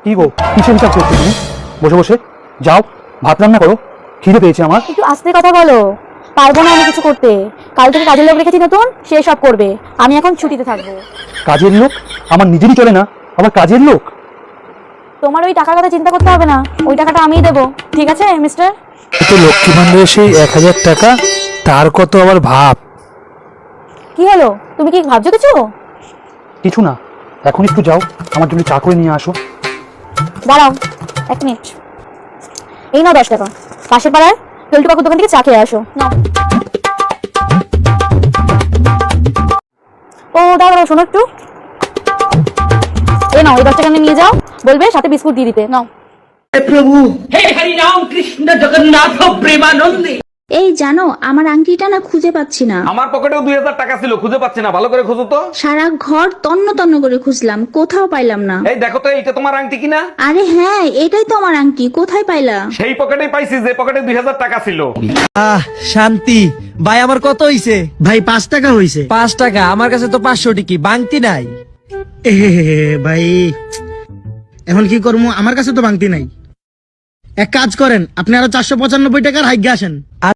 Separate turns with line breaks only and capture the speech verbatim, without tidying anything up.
কি গো, কিসের হিসাব করছো তুমি? বসে বসে যাও, ভাত রান্না করো, খিদে পেয়েছে আমার।
একটু আস্তে কথা বলো। পারবো না আমি কিছু করতে। কাল থেকে কাজের লোক রেখেছি নতুন, সে সব করবে। আমি এখন ছুটিতে থাকবো।
কাজের লোক? আমার নিজেরই চলে না, আবার কাজের লোক?
তোমার ওই টাকার কথা চিন্তা করতে হবে না, ওই টাকাটা আমিই দেবো। ঠিক আছে মিস্টার?
তো লক্ষ্মী ভান্ডারের সেই এক হাজার টাকা, তার কত আবার ভাব।
কি হলো, তুমি কি ভাবছো কিছু?
কিছু না, এখন একটু যাও, আমার জন্য চা করে নিয়ে আসো।
দাঁড়াও এক মিনিট। এই নাও দশ টাকা, পাশের পাড়ার পেল্টু কাকুর দোকান থেকে চা খেয়ে আসো। নাও। ও দাঁড়াও, শোনো একটু। এই নাও, এই দশ টাকা নিয়ে যাও, বলবে সাথে বিস্কুট দিয়ে দিতে। নাও।
प्रभु हे हरि राम कृष्ण जगन्नाथ प्रेमानंदे।
এই জানো, আমার আংটিটা না খুঁজে পাচ্ছি না।
আমার পকেটেও দুই হাজার টাকা ছিল, খুঁজে পাচ্ছি না, ভালো করে খুঁজো তো।
সারা ঘর তন্ন তন্ন করে খুঁজলাম, কোথাও পাইলাম না।
এই দেখো তো, এইটা তোমার আংটি কিনা?
আরে হ্যাঁ, এটাই তো আমার আংটি, কোথায় পাইলা?
সেই পকেটেই পাইছি যে পকেটে দুই হাজার টাকা ছিল।
আহ শান্তি ভাই, আমার কত হইছে?
ভাই পাঁচ টাকা হয়েছে।
পাঁচ টাকা? আমার কাছে তো পাঁচশো টিকি, বাংতি নাই।
এ ভাই এখন কি করবো, আমার কাছে তো ভাঙতি নাই। এক কাজ করেন, আপনি আরো চারশো পঁচানব্বই টাকার হাইগে আসেন।